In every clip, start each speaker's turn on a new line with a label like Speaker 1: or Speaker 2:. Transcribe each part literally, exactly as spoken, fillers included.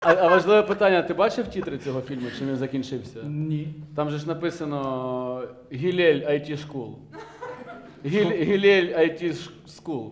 Speaker 1: А, а важливе питання, ти бачив тітри цього фільму, чи він закінчився?
Speaker 2: Ні.
Speaker 1: Там же ж написано Гілель ай ті School. Гіль, Гілель ай ті School.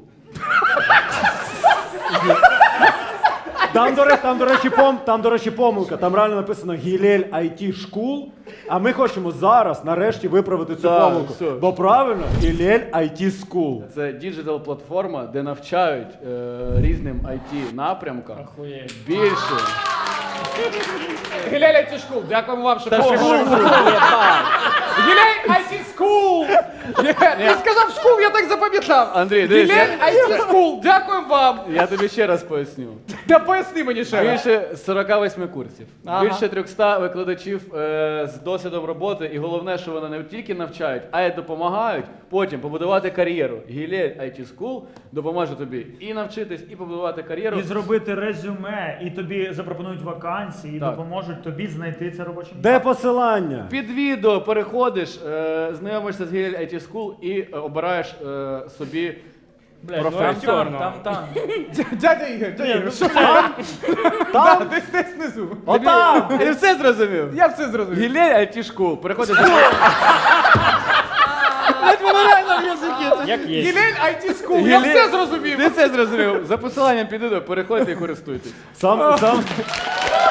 Speaker 3: Там, до, речі, там, до речі, пом, там, до речі, помилка. Там реально написано Гілель ай ті School, а ми хочемо зараз, нарешті, виправити цю
Speaker 1: Да,
Speaker 3: помилку.
Speaker 1: все.
Speaker 3: Бо правильно, Гілель ай ті School.
Speaker 1: Це діджитал-платформа, де навчають е, різним ай ті напрямкам
Speaker 2: Охуєть.
Speaker 1: більше.
Speaker 2: Гілель ай ті School, дякуємо вам, що
Speaker 1: Та
Speaker 2: помогли.
Speaker 1: школа!
Speaker 2: Гілель ай ті School! Ти сказав School, я так запам'ятав.
Speaker 1: Андрій, дивись,
Speaker 2: Гілель
Speaker 1: я,
Speaker 2: ай ті School, дякуємо вам.
Speaker 1: я тобі ще раз поясню.
Speaker 2: Та поясни мені ще раз.
Speaker 1: Більше сорока восьми курсів,
Speaker 2: Ага.
Speaker 1: більше трьохсот викладачів е, з досвідом роботи, і головне, що вони не тільки навчають, а й допомагають потім побудувати кар'єру. Гілель ай ті School допоможе тобі і навчитись, і побудувати кар'єру.
Speaker 4: І зробити резюме, і тобі запропонують вакансії, і
Speaker 1: Так.
Speaker 4: допоможуть тобі знайти це робоче місце.
Speaker 3: Де посилання?
Speaker 1: Під відео переходиш, е, знайомишся з Гілель ай ті School і е, обираєш е, собі професію.
Speaker 2: Там, там, там. Дядя Ігор, дядя Ігор, що
Speaker 3: Там?
Speaker 2: там? Десь десь внизу.
Speaker 3: Отам!
Speaker 1: Ти все зрозумів?
Speaker 2: Я все зрозумів.
Speaker 1: Гілель ай ті School. Переходиш.
Speaker 4: Як є.
Speaker 2: Гілель ай ті School, я
Speaker 1: Гілель-
Speaker 2: все зрозумів.
Speaker 1: Ти все зрозумів. За посиланням під відео переходьте і користуйтесь.
Speaker 3: Сам, сам,